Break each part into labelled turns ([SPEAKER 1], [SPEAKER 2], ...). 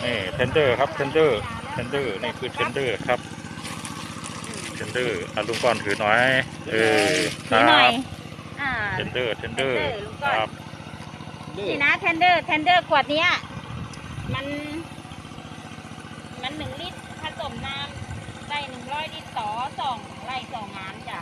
[SPEAKER 1] นี่เทนเดอร์ครับเทนเดอร์นี่คือเทนเดอร์ครับเทนเดอร์ลุงก้อนถือหน่อย
[SPEAKER 2] ถือหน่อย
[SPEAKER 1] เทนเดอร์ครับ
[SPEAKER 2] นี่นะเทนเดอร์ขวดนี้มัน1 ลิตรผสมน้ำได้100 ลิตรต่อ2 ไร่2 งานจ้ะ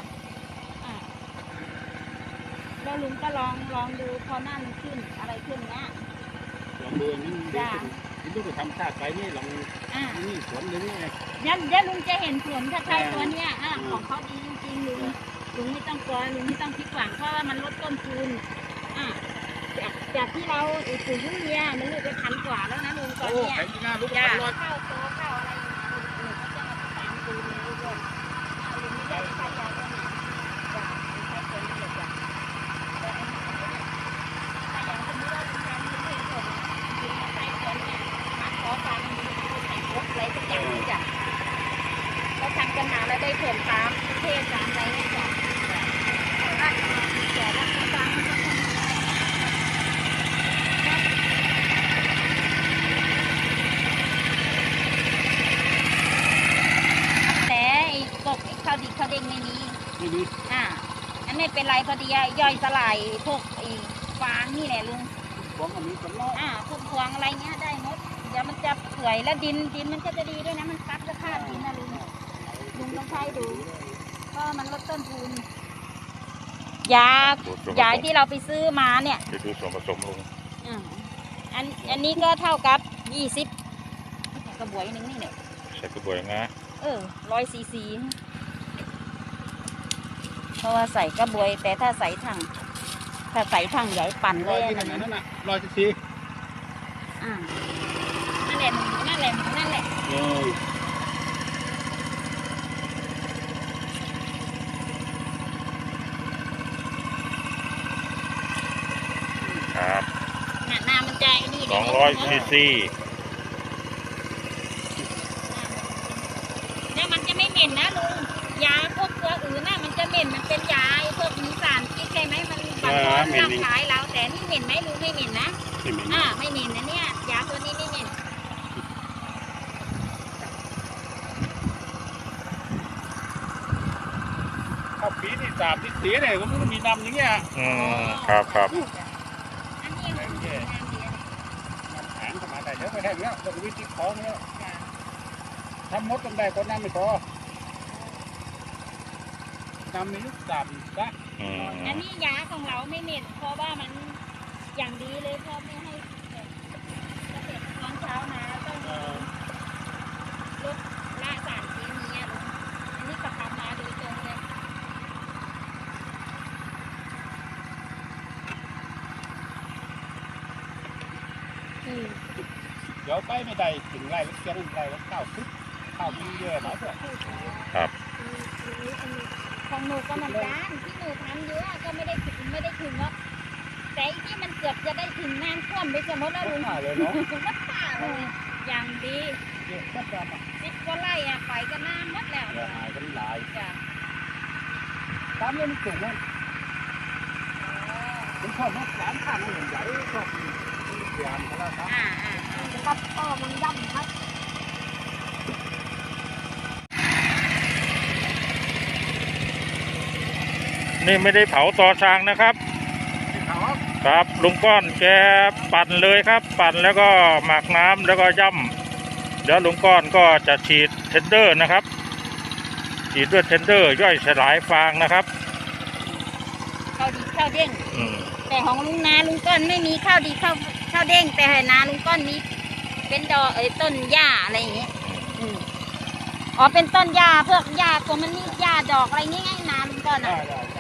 [SPEAKER 2] แล้วลุงก็ลองดูพอนั่นขึ้นอะไรขึ้นเนี้ย
[SPEAKER 3] ลองดูนี่จ้ะนี่ลูกทำชาติไปนี่ลองนี่สวนนี่ไง
[SPEAKER 2] ยันลุงจะเห็นผลถ้าใช้ตัวเนี้ยของเขาดีจริงๆลุงไม่ต้องกลัวลุงไม่ต้องคิดหวังเพราะว่ามันลดต้นทุนจากที่เราปุ๋ยยูเรียมันลูกไป1,000 กว่าแล้วนะลุงตอนนี้จ้ะเข้าตัวเข้าอะไรลุงก็จะมาตามดูเลยลุงลุงไม่ได้ใช้ยาตัวไหนจ้ะใช้ตัวนี้เลยจ้ะแต่ถ้าอย่างสมมติว่าลุงทำไม่ผลลุงใช้ตัวนี้มาขอฟังแต่งรถอะไรสักอย่างนี้จ้ะเราทำกันมาแล้วได้ผลตามเทศตามอะไรนี่จ้ะแต่ละครั้งข้าวดีข้าวเด้งไม่มีอันไม่เป็นไรพอดีย่อยสลายพวกฟางนี่แหละลุง
[SPEAKER 3] พวงอันนี้ก็ล้อ
[SPEAKER 2] พวกพวงอะไรเงี้ยได้หมดเดี๋ยวมันจะเปื่อยแล้วดินมันก็จะดีด้วยนะมันซับสภาพดินนะลุงต้องใช้ดูเพราะมันลดต้นทุนยาที่เราไปซื้อมาเนี่ย
[SPEAKER 1] จะดูส่วนผสมลุง
[SPEAKER 2] อันนี้ก็เท่ากับ20 กระบวยนึงนี่เนี่ย
[SPEAKER 1] ใส่กระบวยนะ
[SPEAKER 2] 100 cc เพราะว่าใส่กระบวยแต่ถ้าใส่ถังใหญ่ปั่นเลย
[SPEAKER 3] นั่นน่ะ100 cc
[SPEAKER 2] นั่นแหละ
[SPEAKER 1] ครับ
[SPEAKER 2] น้ำมันใจนี่
[SPEAKER 1] 200 cc
[SPEAKER 2] เนี่ยมันจะไม่เหม็นนะลุงยาพวกตัวอื่นน่ะมันจะเหม็นมันเป็นยาพวกมีสารพิษใช่ไหมมันบางคนร่างกายเราแต่นี่เหม็นไหมลุงไม่เหม็นนะไม่เหม็นนะเนี่ยยาตัวนี้ไม่เหม็น
[SPEAKER 3] ข้าวปีนี่3 ที่สีเนี่ยมันมีน้ำอย่างเงี้ย
[SPEAKER 1] ครับ
[SPEAKER 2] อันนี้น้ำแข็
[SPEAKER 3] งเข้ามาได้เยอะไปแค่นี้ต้องวิธีของเนี่ยทำมดต้องได้คนน้ำไม่พอน้ำนี้3นะ
[SPEAKER 2] อันนี้ยาของเราไม่เหม็นเพราะว่ามันอย่างดีเลยเพราะไม่ให้เกษตรกรเช้ามาต้องลดละสารเคมีลุงอันนี้ประคับมาโดยตรงเลย
[SPEAKER 3] เดี๋ยวไปไม่ได้ถึงไรแล้วเสียงไรแล้วข้าวมีเยอะหน่อยด้วย
[SPEAKER 1] ครับ
[SPEAKER 2] ของหนูก็เหมือนกันที่หนูทำเยอะก็ไม่ได้ถึงหรอกแต่ที่มันเกือบจะได้ถึงน้ำท่วมไปสมมติแล้วลุง
[SPEAKER 3] เลยเนาะ
[SPEAKER 2] วัดป่าเลยอย่างดี
[SPEAKER 3] 10
[SPEAKER 2] กว่าไร่ไปก็น้ำมัดแล้ว
[SPEAKER 3] หายกันหลาย
[SPEAKER 2] จ้ะ
[SPEAKER 3] ตามเรื่องมันสูงนะผมชอบมาก3 ข้างมันใหญ่ชอบเสียงเขาแล้ว
[SPEAKER 2] ครับมันย่ำครับ
[SPEAKER 1] นี่ไม่ได้เผาต่อช้างนะครับครับลุงก้อนแกปั่นเลยครับปั่นแล้วก็หมักน้ำแล้วก็ย่ำเดี๋ยวลุงก้อนก็จะฉีดเทนเดอร์นะครับฉีดด้วยเทนเดอร์ย่อยสลายฟางนะครับ
[SPEAKER 2] ข้าวดีข้าวเด้งแต่ของลุงก้อนไม่มีข้าวดีข้าวเด้งแต่นาลุงก้อนมีเป็นดอกต้นหญ้าอะไรอย่างเงี้ยเป็นต้นหญ้าพวกหญ้าตัวมันนี่หญ้าดอกอะไรนี่ไงนาลุงก้อน